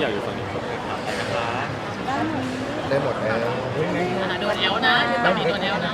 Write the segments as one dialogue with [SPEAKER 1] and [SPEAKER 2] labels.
[SPEAKER 1] อยากอยู่ฝั่งนี้ครับ
[SPEAKER 2] ได้หมดแล้ว
[SPEAKER 3] โดนแอลนะตอนนี้โดนแอลนะ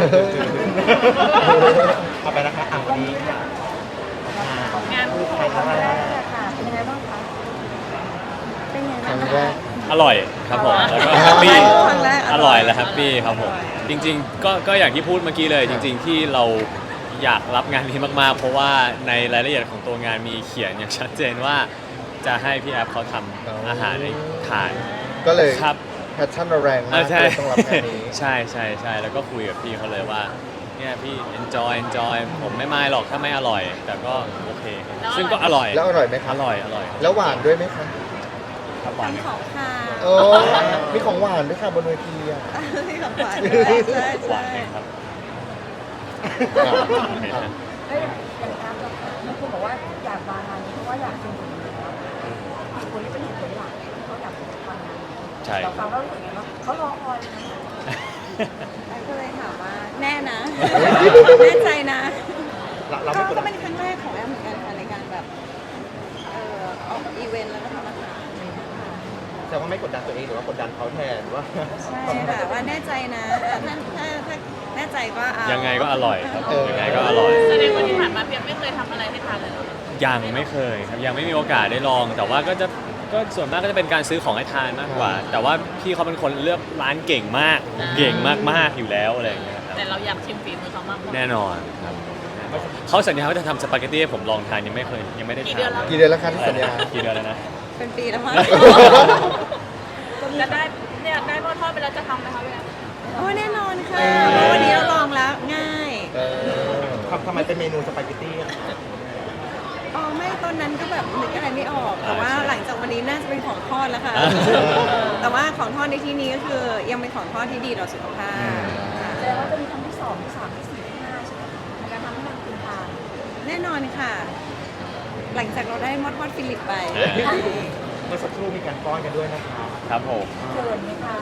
[SPEAKER 4] เอาไปนะคะวันนี้
[SPEAKER 3] งาน
[SPEAKER 4] ใครทำอะไร
[SPEAKER 5] เป็นยังไงบ้างคะเป็นยัง
[SPEAKER 2] ค
[SPEAKER 5] ไง
[SPEAKER 2] รั้ง
[SPEAKER 5] บ้าง
[SPEAKER 2] แร
[SPEAKER 5] คะ
[SPEAKER 2] ก
[SPEAKER 1] อร่อยครับผมแล้วก็แฮปปี้
[SPEAKER 5] ครั้งแรก
[SPEAKER 1] อร่อยและแฮปปี้ครับผมจริงๆก็อย่างที่พูดเมื่อกี้เลยจริง ๆ ที่เราอยากรับงานนี้มากๆ เพราะว่าในรายละเอียดของตัวงานมีเขียนอย่างชัดเจนว่าจะให้พี่แอฟเขาทำอาหารให้ทาน
[SPEAKER 2] ก็เลย
[SPEAKER 1] ครับ
[SPEAKER 2] แพชชั่นเราแรงมาก
[SPEAKER 1] ใช่
[SPEAKER 2] เลยต้องรับงานนี้
[SPEAKER 1] ใช่ใช่ใช่แล้วก็คุยกับพี่เขาเลยว่าเนี่ยพี่ enjoy ผมไม่ไม่หรอกถ้าไม่อร่อย แต่ก็โอเค ซึ่งก็อร่อย
[SPEAKER 2] แล้วอร่อยไหมค
[SPEAKER 1] อ
[SPEAKER 2] รับ
[SPEAKER 1] ร่อย
[SPEAKER 2] แล้วหวานด้วยไหมคะ
[SPEAKER 1] ครับหวานไหม
[SPEAKER 5] ทั้งของค่ะ
[SPEAKER 2] โอ้มีของหวานด้วยค่ะบนเวทีอ่ะ
[SPEAKER 5] มีของหวานด้วยใช่
[SPEAKER 1] หวา
[SPEAKER 5] ใช่
[SPEAKER 1] นไหมครับ
[SPEAKER 2] อ่ะ
[SPEAKER 1] โอเคนะ
[SPEAKER 5] เอ้ยอย่างการมีคนบอกว่าอยากมางานนี้เพราะว่าอยากชิมฝีมือแล้วคนที่เป็นเหตุผลหลักที่เขาอยากทำงานนี้
[SPEAKER 1] ใช่
[SPEAKER 5] เราฟังแล้วรู้สึกไงบ้างเขารอคอยนะก็เลยถามว่าแน่นะ แน่ใจนะ
[SPEAKER 4] เราไม่กด
[SPEAKER 5] ก็
[SPEAKER 4] ดัน
[SPEAKER 5] เป็นครั้งแรกของแอมเหมือนกันค่ะในการแบบออกอีเวนต์แล้วก็ทำอาหาร
[SPEAKER 4] แต่ว่าไม่กดดันตัวเองหรือว่ากดดันเขาแทนว่า
[SPEAKER 5] ใช่ค่ะว่าแน่ใจนะถ้าแน่ใจก็เอา
[SPEAKER 1] ยังไงก็อร่อยครับยังไงก็อร่อย
[SPEAKER 3] แสดงว่าที่ผ่านมาเพียงไม่เคยทำอะไรให้ทานเลยเหรอ
[SPEAKER 1] ยังไม่เคยครับยังไม่มีโอกาสได้ลอง แต่ว่าก็ส่วนมากก็จะเป็นการซื้อของให้ทานมากกว่า แต่ว่าพี่เขาเป็นคนเลือกร้านเก่งมากเก่งมากๆอยู่แล้วอะไรอย่างเงี้ยครับ
[SPEAKER 3] แต่เราอยากชิมฝีมือเขามากกว่า
[SPEAKER 1] แน่นอนครับเขาสัญญาว่าจะทำสปาเกตตี้ให้ผมลองทานยังไม่ได้ทาน
[SPEAKER 2] กี่เดือนแล้วคะที่สัญญา
[SPEAKER 1] กี่เดือนแล้วนะ
[SPEAKER 5] เป็นปีแล้วมั้ง
[SPEAKER 3] จะได้เนี่ยได้หม้อทอดไปแล้วจะทำไหมคะพี่แอฟ
[SPEAKER 5] โอ้แน่นอนค่ะเพราะวันนี้เราลองแล้วง่าย
[SPEAKER 2] เออ
[SPEAKER 4] ทำไมเป็นเมนูสปาเกตตี้อะ
[SPEAKER 5] อ๋อไม่ตอนนั้นก็แบบนึกอะไรไม่ออก แต่ว่าหลังจากวันนี้น่าจะเป็นของทอดแล้วค่ะ แต่ว่าของทอดในที่นี้ก็คือยังเป็นของทอดที่ดีต่อสุขภาพแสดงว่าจะมีครั้งที่2ที่3ที่4ที่5ใช่ไหมในการทำให้มันคุณทานแน่นอนค่ะ หลังจากเราได้มอดทอดฟิลิปไป
[SPEAKER 4] เมื่อสักครู่มีการป้อนกันด้วยนะคะ
[SPEAKER 1] ครับผม
[SPEAKER 5] เกินไหมคะ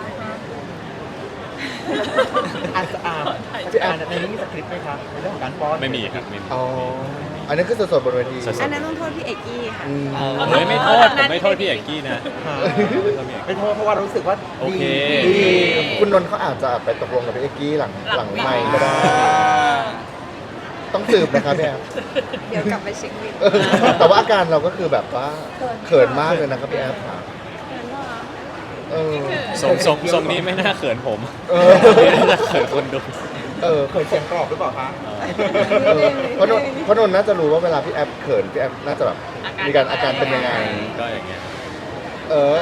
[SPEAKER 4] พี่อาร์ในนี้มีสคริปต์ไหมครับในเรื่องของการป้อน
[SPEAKER 1] ไม่มีครับไม่มี
[SPEAKER 2] อ๋ออันนี้คือสดๆบนเวที
[SPEAKER 1] สด
[SPEAKER 5] อันนั้นต้องโทษพี่เอกกี้ค่ะ
[SPEAKER 2] อืม
[SPEAKER 1] เฮ้ยไม่โทษผมไม่โทษพี่เอกกี้นะ
[SPEAKER 4] ไม่โทษเพราะว่ารู้สึกว่า
[SPEAKER 1] โอเค
[SPEAKER 4] ดี
[SPEAKER 2] คุณนนท์เขาอาจจะไปตกลงกับพี่เอกกี้หลังไมค์ก็ได้ ต้องสืบนะครับพี่แอฟ
[SPEAKER 5] เดี๋ยวกลับไปเช็คบิน
[SPEAKER 2] แต่ว่าอาการเราก็คือแบบว่าเขินมากเลยนะครับพี่แอฟค่ะ
[SPEAKER 5] เกินเหรอ
[SPEAKER 2] เออ
[SPEAKER 1] ทรงนี้ไม่น่าเขินผม
[SPEAKER 2] เออ
[SPEAKER 1] น่าเขินคนดู
[SPEAKER 2] เออ
[SPEAKER 4] เคยเสียงกรอบหรือเปล่าคะ
[SPEAKER 2] เออเพราะนนท์น่าจะรู้ว่าเวลาพี่แอฟเขินพี่แอฟน่าจะแบบมีการอาการเป็นยังไง
[SPEAKER 1] ก็อย่างเงี้ย
[SPEAKER 2] เออ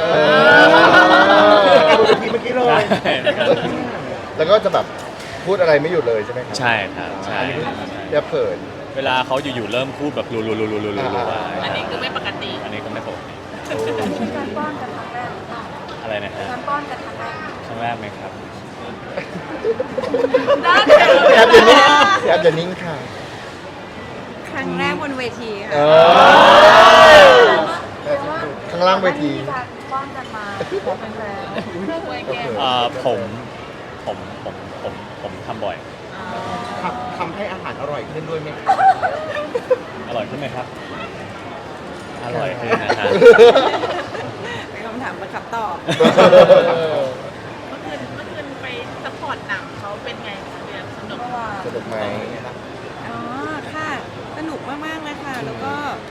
[SPEAKER 4] ดูทีเมื่อกี้เลย
[SPEAKER 1] ใช่ครับ
[SPEAKER 2] แล้วก็จะแบบพูดอะไรไม่หยุดเลยใช่ไหมครับ
[SPEAKER 1] ใช่ครับใช่
[SPEAKER 2] อันนี้คือ
[SPEAKER 1] ใช่
[SPEAKER 2] พี่แอฟเขิน
[SPEAKER 1] เวลาเขาอยู่ๆเริ่มพูดแบบรัวๆๆๆๆว่า
[SPEAKER 3] อันนี้คือไม่ปกติ
[SPEAKER 1] อันนี้ก็ไม่ปกติ
[SPEAKER 5] มีการป้อนกันครั้งแรกหรือเปล่า
[SPEAKER 1] อะไรนะฮะ
[SPEAKER 5] การป้อนกันครั้งแรก
[SPEAKER 1] ครั้งแรกไหมครับ
[SPEAKER 3] ได้เ
[SPEAKER 2] พี่แอฟอย่านิ่งพี่แอฟอย่านิ่งค่ะ
[SPEAKER 5] ครั้งแรกบนเวที
[SPEAKER 2] เอ
[SPEAKER 5] ค่ะ
[SPEAKER 2] อข้างล่างเวที
[SPEAKER 5] มีการป้อนกันมาบอกแฟน
[SPEAKER 3] ไว้แก้
[SPEAKER 1] ผมทำบ่อย
[SPEAKER 4] ทำให้อาหารอร่อยขึ้นด้วยไหมครับ
[SPEAKER 1] อร่อยขึ้นไหมครับ อร่อยขึ้นนะฮะ
[SPEAKER 5] ๆเป็นคำถามประคับตอบ
[SPEAKER 3] เมื่อคืนไปซัพพอร์ตหนังเขาเป็นไงคะพี่แอฟสนุก
[SPEAKER 5] เพราะว่า
[SPEAKER 2] สนุกไหม
[SPEAKER 5] อ๋อค่ะ สนุกมากๆเลยค่ะ แล้วก็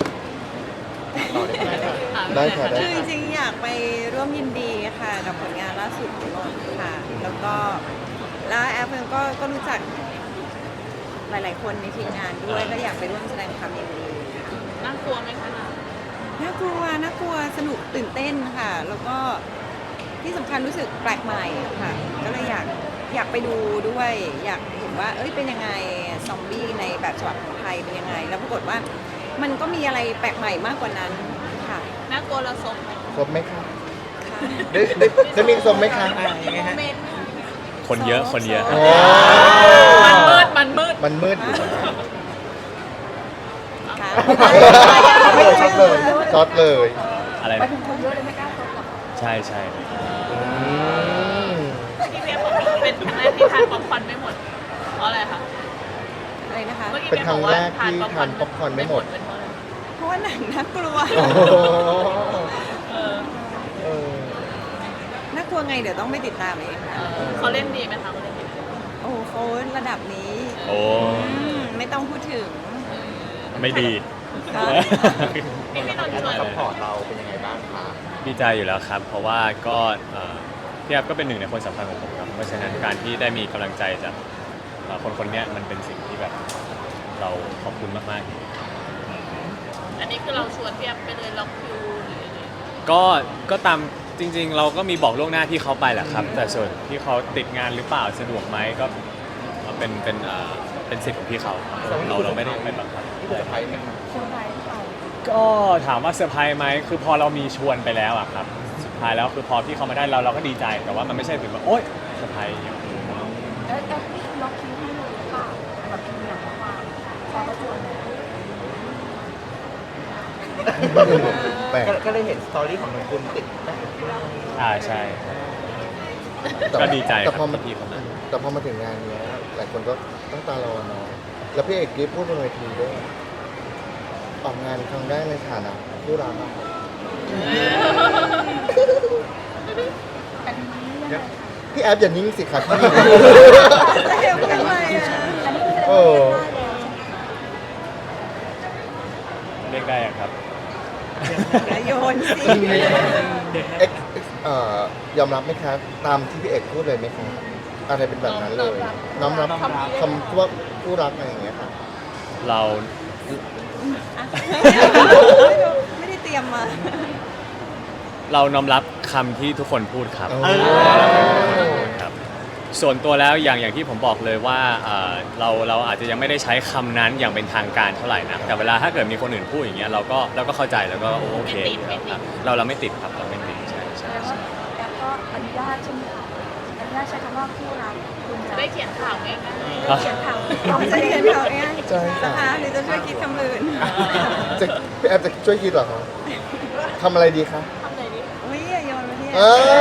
[SPEAKER 2] ได้ค่ะได้
[SPEAKER 5] คือจริงๆอยากไปร่วมยินดีค่ะกับผลงานล่าสุดของนนท์ค่ะ แล้วก็แล้วแอฟเองก็รู้จักหลายๆคนในทีมงานด้วยก็อยากไปร่วมแสดงความยินดีค่ะ
[SPEAKER 3] น่ากลัวไหมคะ
[SPEAKER 5] น่ากลัวสนุกตื่นเต้นค่ะ แล้วก็ที่สำคัญรู้สึกแปลกใหม่ค่ะ ก็เลยอยากไปดูด้วย อยากเห็นว่า เอ้ยเป็นยังไงซอมบี้ในแบบฉบับของไทยเป็นยังไง แล้วปรากฏว่ามันก็มีอะไรแปลกใหม่มากกว่านั้นค่ะ
[SPEAKER 3] น่ากลัวเราซบไหม
[SPEAKER 2] ครบไหมคะได้มีครบไหมคะ
[SPEAKER 4] ยังไงฮะ
[SPEAKER 3] เมนต์
[SPEAKER 1] คนเยอะคนเยอะ
[SPEAKER 2] โอ้
[SPEAKER 3] มันมืด
[SPEAKER 2] มันมืดอยู่
[SPEAKER 5] ค่ะ
[SPEAKER 2] ช็อตเลยช็อตเลย
[SPEAKER 1] อะไร
[SPEAKER 5] ไป
[SPEAKER 1] นะ
[SPEAKER 5] ถึงคนเยอะเลยไม่กล้าชมหรอก
[SPEAKER 1] ใช่ใช่
[SPEAKER 2] อืม
[SPEAKER 3] พี่เบียร์บอกว่าเป็นครั้งแรกที่ทานป๊อปคอร์นไม่หมดเพราะอะไรคะ
[SPEAKER 5] อะไรนะคะ
[SPEAKER 3] เมื่อกี้
[SPEAKER 2] เป็น
[SPEAKER 3] เบีย
[SPEAKER 2] ครั้ง
[SPEAKER 3] บอก
[SPEAKER 2] แร
[SPEAKER 3] ว่าก
[SPEAKER 2] ที่ทานป๊อปคอร์นไม่หมด
[SPEAKER 3] เป็นเพราะอะไร
[SPEAKER 5] เพราะว่าหนังน่ากลัว
[SPEAKER 2] โอ้โห
[SPEAKER 3] เออ
[SPEAKER 5] ไงเดี๋ยวต้องไปติดตามเองค่ะ
[SPEAKER 3] เขาเล่นดีไหมคะเขาเล่นดีไหม
[SPEAKER 5] โอ้เขาระดับนี้
[SPEAKER 1] โอ้
[SPEAKER 5] ไม่ต้องพูดถึง
[SPEAKER 1] ไม่ดี
[SPEAKER 5] ค่ะ
[SPEAKER 3] พี่นนท์ชวน
[SPEAKER 4] ซัพพอร์ตเราเป็นยังไงบ้างคะ
[SPEAKER 1] ดีใจอยู่แล้วครับ เพราะว่าก็พี่แอฟก็เป็นหนึ่งในคนสำคัญของผมครับ เพราะฉะนั้นการที่ได้มีกำลังใจจากคนคนนี้มันเป็นสิ่งที่แบบเราขอบคุณมากๆ
[SPEAKER 3] อันนี้คือเราชวนพี่แอฟไปเลยล็อกคิวหรือยังไง
[SPEAKER 1] ก็ตามจริงๆ เราก็มีบอกล่วงหน้าที่เขาไปแหละครับ แต่ส่วนที่เขาติดงานหรือเปล่าสะดวกไหมก็เป็นสิทธิ์ของพี่เขาเราไม่ได้ไปบังคับ
[SPEAKER 4] ที่เซอร์ไพรส์ไหมคะ
[SPEAKER 1] ก็ถามว่าเซอร์ไพรส์ไหมคือพอเรามีชวนไปแล้วอะครับสุดท้ายแล้วคือพอพี่เขามาได้เราก็ดีใจ แต่ว่ามันไม่ใช่ถึงว่าโอ๊ยเซอร์ไพรส์อย่างนี้
[SPEAKER 6] แล้วพี่ล็อกคิวให้เลยหรือเปล่าแบบมีอย่างระหว่างพอประจวบเนี่ย
[SPEAKER 2] แปลก
[SPEAKER 4] ก็ได้เห็นสตอรี่ของนนคุณติดแ
[SPEAKER 1] ใช่
[SPEAKER 2] แต่
[SPEAKER 1] ก็ดีใจ
[SPEAKER 2] แต่
[SPEAKER 1] ค
[SPEAKER 2] พอ
[SPEAKER 1] รับ
[SPEAKER 2] มา
[SPEAKER 1] ที่พี่เขามา
[SPEAKER 2] แต่พอมาถึงงานเนี้ยหลายคนก็ตั้งตารอเนาะแล้วพี่เอกกิ๊ฟพูดบนเวทีด้วยออกงานครั้งแรกในฐานะผู้รับอะ
[SPEAKER 6] อันนี้ยังไงคะ
[SPEAKER 2] พี่แอฟอย่านิ่งสิครับพี่
[SPEAKER 5] จะเห็นกันไหมอ่ะ
[SPEAKER 6] อันนี้คือแสดง
[SPEAKER 2] โอ้
[SPEAKER 6] ว่าได้แล้ว
[SPEAKER 1] เรียกได้อะครับ
[SPEAKER 5] อย่าโยนสิ
[SPEAKER 2] เอ็กยอมรับไหมครับ ตามที่พี่เอกพูดเลยไหมครับอะไรเป็นแบบนั้นเลย น้อมรับคำว่าผู้รักอะไรอย่างเงี้ยค่ะ
[SPEAKER 1] เรา
[SPEAKER 5] อ่ะไม่ได้เตรียมมา
[SPEAKER 1] เราน้อมรับคำที่ทุกคนพูดครับ
[SPEAKER 2] โอ้
[SPEAKER 1] ครับส่วนตัวแล้วอย่างที่ผมบอกเลยว่าเราอาจจะยังไม่ได้ใช้คำนั้นอย่างเป็นทางการเท่าไหร่นะแต่เวลาถ้าเกิดมีคนอื่นพูดอย่างเงี้ยเราก็เข้าใจแล้วก็โอเคครับเราไม่ติดครับเราไม่ติดใช่
[SPEAKER 6] แสดงว่าแอปก็อนุญาตใช่ไหมคะอนุญาตใช้คำว่าผู้รับคุณจะ
[SPEAKER 3] ได้เขียนข่าวไหมคะ
[SPEAKER 6] เขียนข่าว
[SPEAKER 5] เราจะเรียนเขาเอง
[SPEAKER 2] ใช่ค่ะ
[SPEAKER 5] นะคะหรือจะช่วยคิดคำอื่น
[SPEAKER 2] จะพี่แอฟจะช่วยคิดเหรอครับทำอะไรดีคะ
[SPEAKER 3] ทำไหนดี
[SPEAKER 5] อุ้ยอย่าโยนมาที่
[SPEAKER 2] เออ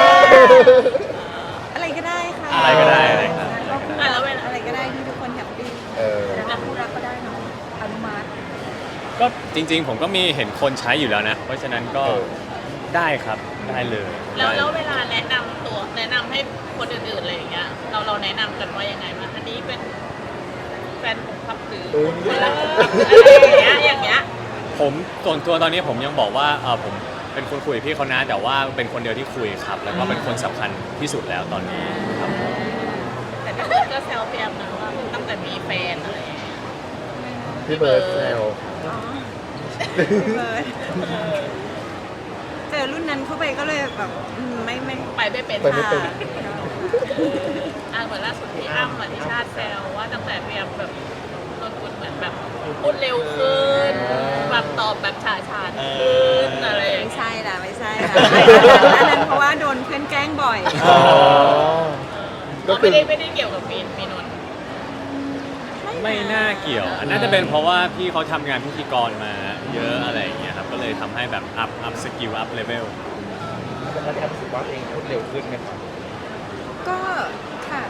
[SPEAKER 5] อะไรก็ได้ค่ะ
[SPEAKER 1] อะไรก็ได้อะไรครับ
[SPEAKER 3] แล้วเวลา
[SPEAKER 5] อะไรก็ได้ที่ทุกคนแฮปปี้
[SPEAKER 2] เออ
[SPEAKER 6] แต่ผู้รับก็ได้เนาะอนุมัติ
[SPEAKER 1] ก็จริงๆ ผมก็มีเห็นคนใช้อยู่แล้วนะ เพราะฉะนั้นก็ได้ครับได้เลย
[SPEAKER 3] แล้วเวลาแนะนำให้คนอื่นๆอะไรอย่างเงี้ยเราแนะนำกันว่ายังไงบ้างอันนี้เป็นแฟนผมครับหรือ
[SPEAKER 2] อุ๊ย
[SPEAKER 3] อะไรอย่างเงี้ย
[SPEAKER 1] ผมส่วนตัวตอนนี้ผมยังบอกว่าผมเป็นคนคุยกับพี่เขานะแต่ว่าเป็นคนเดียวที่คุยครับ แล้วก็เป็นคนสำคัญที่สุดแล้วตอนนี้ครับ
[SPEAKER 3] แต่พี่เบิร์ดก็แซวพี่แอฟนะว่าตั้งแต่มีแฟนอะไรอย่างเงี้ย
[SPEAKER 2] พี่เบิร์ดแซว
[SPEAKER 5] อ๋อพี่เบิร์ดเจอรุ่นนั้นเข้าไปก็เลยแบบไม่
[SPEAKER 3] ไปไม่เป็น
[SPEAKER 2] ไปไม่เป็น
[SPEAKER 5] ค่ะ
[SPEAKER 3] เหมือนล่าสุดที่อ้ำที่ชาติแซวว่าตั้งแต่พี่แอฟแบบนนคุณเหมือนแบบพูดเร็วขึ้นแบบตอบแบบฉาฉานขึ้นอะไรอย่าง
[SPEAKER 5] ไม่
[SPEAKER 3] เงี้ย
[SPEAKER 5] ใช่ละไม่ใช่ละอันนั้นเพราะว่าโดนเพื่อนแกล้งบ่อย
[SPEAKER 2] อ๋อก็คื
[SPEAKER 3] ไม่
[SPEAKER 2] อ
[SPEAKER 3] ได้เกี่ยวกับมีนนท์
[SPEAKER 1] ไม่น่าเกี่ยวน่าจะเป็นเพราะว่าพี่เขาทำงานพิธีกรมาเยอะอะไรอย่างเงี้ยครับก็เลยทำให้แบบอัพสกิลอัพเลเวล
[SPEAKER 4] แล้วแอปรู้สึกว่าเองพูดเร็วขึ้นไหมครับ
[SPEAKER 5] ก็ค่ะ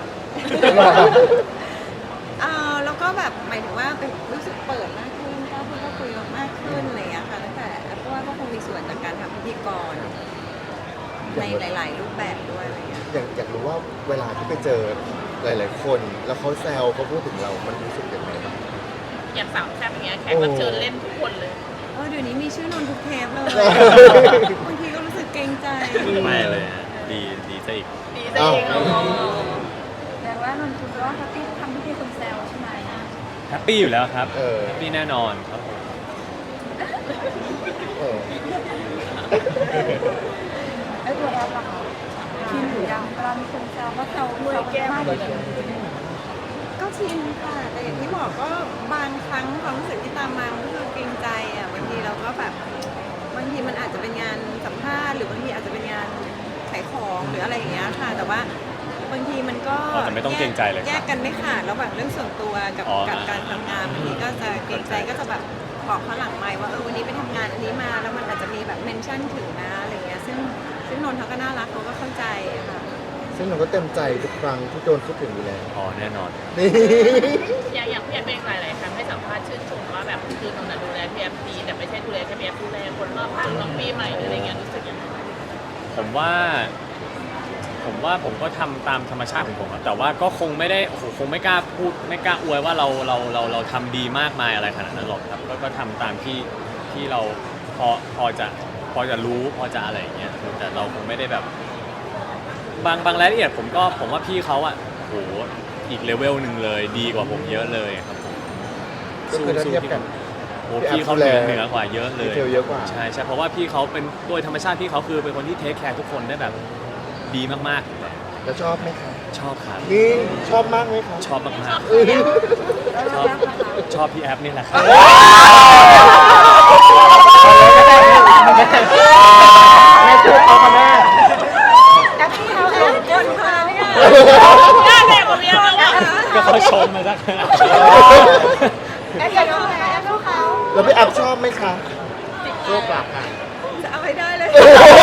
[SPEAKER 5] แล้วก็แบบหมายถึงว่าเป็นรู้สึกเปิดมากขึ้นก็พูดก็คุยมากขึ้นอะไรอย่างเงี้ยค่ะตั้งแต่เพราะว่าก็คงมีส่วนจากการทำพิธีกรในหลาย ๆ รูปแบบด้วยอะไรอย่างเงี้ย
[SPEAKER 2] อยากรู้ว่าเวลาที่ไปเจอหลายๆคน แล้วเขาแซวเขาพูดถึงเรา มันรู้สึกยังไงบ้าง
[SPEAKER 3] อย่างสามแซ่บอย่างเงี้ยแขกรับเชิญเล่นทุกคนเลย
[SPEAKER 5] เดี๋ยวนี้มีชื่อนนทุกเทปเลยบางทีก็รู้สึกเกรงใจ
[SPEAKER 1] ไม่เลยฮะดีซะอีก
[SPEAKER 3] ดีซะเอง
[SPEAKER 2] อ้าว
[SPEAKER 6] แสดงว่านนท์คุณว่าแฮปปี้ทำที่ที่คุณแซวใช่ไหม
[SPEAKER 1] แฮปปี้อยู่แล้วครับ
[SPEAKER 2] เออ
[SPEAKER 1] แฮปปี้แน่นอนครับผม
[SPEAKER 2] เออ
[SPEAKER 6] ไอ้ตัวแอปล่ะคะชินหรือยังเวลามีคนแซวว่าแซวมากเลย
[SPEAKER 5] ก็ชินค่ะ แต่อย่างที่บอกก็บางครั้งความรู้สึกที่ตามมามันก็คือเกรงใจอ่ะบางทีเราก็แบบบางทีมันอาจจะเป็นงานสัมภาษณ์หรือบางทีอาจจะเป็นงานขายของหรืออะไรอย่างเงี้ยค่ะ แต่ว่าบางทีมันก็
[SPEAKER 1] แต่ไม่ต้องเกรงใจเลยครับ
[SPEAKER 5] แยกกันไม่ขาดระหว่างเรื่องส่วนตัวกับ
[SPEAKER 1] อ๋อ
[SPEAKER 5] กับการทำงานบางทีก็จะเกรงใจก็จะแบบบอกเขาหลังไมค์ว่าวันนี้ไปทำงานอันนี้มาแล้วมันอาจจะมีแบบเมนชั่นถึงนะอะไรเงี้ยซึ่งนนท์เขาก็น่ารักเขาก็เข้าใจอะค่ะ
[SPEAKER 2] ซึ่งเราก็เต็มใจทุกครั้งที่โดนพูดถึงอยู่แล้ว
[SPEAKER 1] อ๋อแน่นอน
[SPEAKER 2] นี่
[SPEAKER 3] อย่างพี่แอฟเองหลายๆครั้งให้สัมภาษณ์ชื่นชมว่าแบบคือนนท์ดูแลพี่แอฟดีแต่ไม่ใช่ดูแลแค่พี่แอฟดูแลคนรอบข้างน้องปีใหม่หรืออะไรเงี้ยรู้สึกยังไง
[SPEAKER 1] ผมว่าผมว่าผมก็ทำตามธรรมชาติของผมอะแต่ว่าก็คงไม่ได้โอ้โหคงไม่กล้าพูดไม่กล้าอวยว่าเราทำดีมากมายอะไรขนาดนั้นหรอกครับก็ทำตามที่เราพอจะรู้พอจะอะไรอย่างเงี้ยแต่เราคงไม่ได้แบบบางรายละเอียดผมว่าพี่เขาอ่ะโหอีกเลเวลหนึ่งเลยดีกว่าผมเยอะเลยครับผม
[SPEAKER 2] ก็คือถ้าเทียบกัน
[SPEAKER 1] โอ้พี่เขาเหนือกว่าเยอะเลย
[SPEAKER 2] ดีเทลเยอะกว่า
[SPEAKER 1] ใช่เพราะว่าพี่เขาเป็นโดยธรรมชาติพี่เขาคือเป็นคนที่เทคแคร์ทุกคนได้แบบดีมากๆ
[SPEAKER 2] แล้วชอบไหมคะ
[SPEAKER 1] ชอบครับ
[SPEAKER 2] นี่ชอบมากไหมคะ
[SPEAKER 1] ชอบมาก
[SPEAKER 2] เออ
[SPEAKER 1] ๆชอบพี่แอฟนี่แหละครับ
[SPEAKER 4] แม่ช่วยเอาค่ะแม่
[SPEAKER 6] แอปที่เขาเองคนพาเนี่ย
[SPEAKER 3] หน้าแดงกว่าเมียแล้วอะ
[SPEAKER 1] ก็เขาชมมาสักขนาด
[SPEAKER 6] แอปเขาแอปเขา
[SPEAKER 2] แล้วพี่แอฟชอบไหมคะ
[SPEAKER 4] โชคกลับค่ะ
[SPEAKER 5] จะเอาให้ได้เลย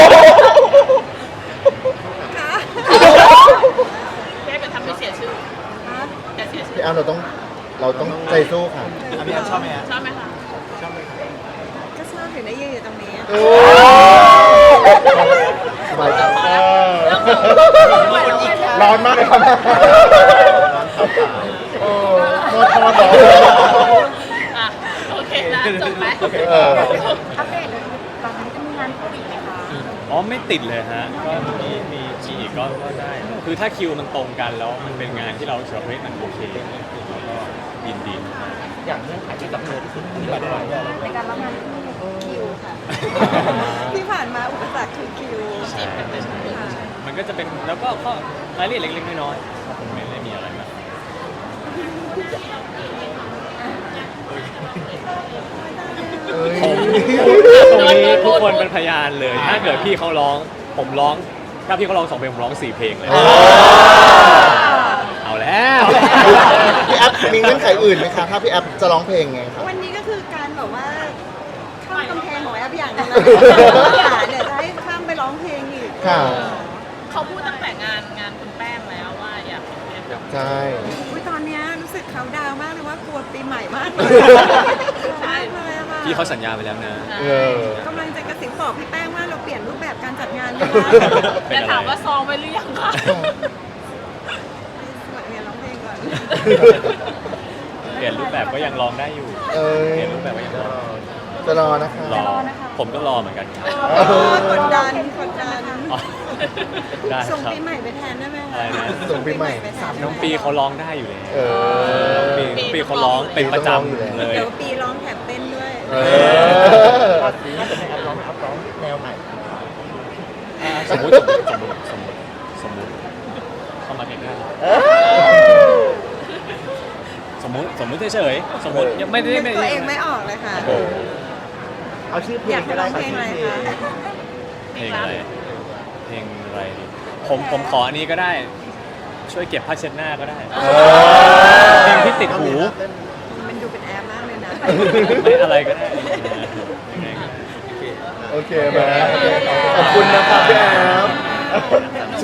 [SPEAKER 5] ค่ะ
[SPEAKER 3] แค่จะทำให้เสียชื่ออย่าเสียชื่
[SPEAKER 2] พี่
[SPEAKER 3] อ
[SPEAKER 2] แอฟเราต้องใจสู้ค่ะ
[SPEAKER 4] พี่แอฟชอบไหมฮะ
[SPEAKER 3] ชอบไหมคะ
[SPEAKER 5] ก็ชอบถึงได้ยืนอยู่ตรงนี้
[SPEAKER 2] โอ้สบายใจร้อนมากเลยครับโอ้โทษร้อน
[SPEAKER 3] อ่ะโอเคนะจบไหม
[SPEAKER 2] เออ
[SPEAKER 6] อัปเดตหลังนี้จะมีงานโควิดไหมคะ
[SPEAKER 1] อ๋อไม่ติดเลยฮะก็มีอีกก็ได้ คือถ้าคิวมันตรงกันแล้วมันเป็นงานที่เราเชื่อว่าเฮ้ยมันโอเคเราก็ยินดี
[SPEAKER 4] อย่างเงื่อนไขที่จับมือที่สุดที่บัตรอะไรเนี่ย
[SPEAKER 6] ในการรับงานคิวค่ะ
[SPEAKER 5] ที่ผ่านมาอุปสรรคคือคิว
[SPEAKER 1] ใช่มันก็จะเป็นแล้วก็ข้อรายละเอียดเล็กๆน้อยๆครับผมไม่ได้มีอะไรมากผมตรงนี้ทุกคนเป็นพยานเลย ถ้าเกิดพี่เขาร้องผมร้อง ถ้าพี่เขาร้อง2 เพลงผมร้อง4 เพลงเลยเอาแล้ว
[SPEAKER 2] พี่แอฟมีเงื่อนไขอื่นไหมคะถ้าพี่แอฟจะร้องเพลงไงครับ
[SPEAKER 5] วันนี้ก็คือการแบบว่าข้ามกำแพงของแอปอย่างหนึงนะเนี่ยจะให้ข้ามไปร้องเพลงอีก
[SPEAKER 2] ค่ะ
[SPEAKER 3] เขาพูดตั้งแต่งานคุณแป้งแล้วว่าอยากเรียนแบบ
[SPEAKER 2] ใช่
[SPEAKER 5] อุ๊ยตอนเนี้ยรู้สึกเขาดาวน์มากเลยว่ากลัวปีใหม่มากเลย ใช่เลยอะค่ะ
[SPEAKER 1] พี่เขาสัญญาไปแล้วนะ
[SPEAKER 2] เออก
[SPEAKER 5] ำลังจะกระสิบบอกพี่แป้งว่าเราเปลี่ยนรูปแบบการจัดงานดี
[SPEAKER 3] แต่ถามว่าซองไปหรือยังคะ
[SPEAKER 5] สมัครเรียนร้องเพลงก่อน
[SPEAKER 1] เปลี่ยนรูปแบบก็ยังร้องได้อยู่
[SPEAKER 2] เออ
[SPEAKER 1] เปลี่ยนรูปแบบก็ยังร้อง
[SPEAKER 2] จะรอนะคะ
[SPEAKER 1] รอผมก็รอเหมือนกันครับ
[SPEAKER 5] กดดันกดดัน
[SPEAKER 1] อ๋อได้
[SPEAKER 5] ส่ง
[SPEAKER 1] ครับ
[SPEAKER 5] ปีใหม่ไปแทนได้ไหม
[SPEAKER 1] อะไรนะ
[SPEAKER 2] ส่งปีใหม่
[SPEAKER 5] ไปแทนได้ไหม
[SPEAKER 1] น้องปีเขาร้องได้อยู่เลย
[SPEAKER 2] เออ
[SPEAKER 1] ปีเขาร้องเป็นประจำเลย
[SPEAKER 5] เดี๋ยวปีร้องแถมเต้นด้วย
[SPEAKER 2] เออ
[SPEAKER 4] ถ้าจะให้แอปร้องแนวไหน
[SPEAKER 1] สมมติเข้ามาใกล้ๆสมมติเฉยๆสมมติยังไม่ได้
[SPEAKER 5] นึกตัวเองไม่ออกเลยค่ะ
[SPEAKER 1] โอ้โห
[SPEAKER 4] เอาชื่อเพล
[SPEAKER 5] อยาง ก
[SPEAKER 4] ก็
[SPEAKER 5] ร้
[SPEAKER 4] ได้
[SPEAKER 5] องเพลงอะไรคะ
[SPEAKER 1] เพลงอะไรเพลงอะไรดีผมขออันนี้ก็ได้ ช่วยเก็บผ้าเช็ดหน้าก็ได้เพลงที่ติดหู
[SPEAKER 5] มันดูเป็นแอร์มากเลยนะ
[SPEAKER 1] ไม่อะไรก็ได้ยังไงก็ได้
[SPEAKER 2] โอเคมาขอบคุณนะครับพี่แอฟ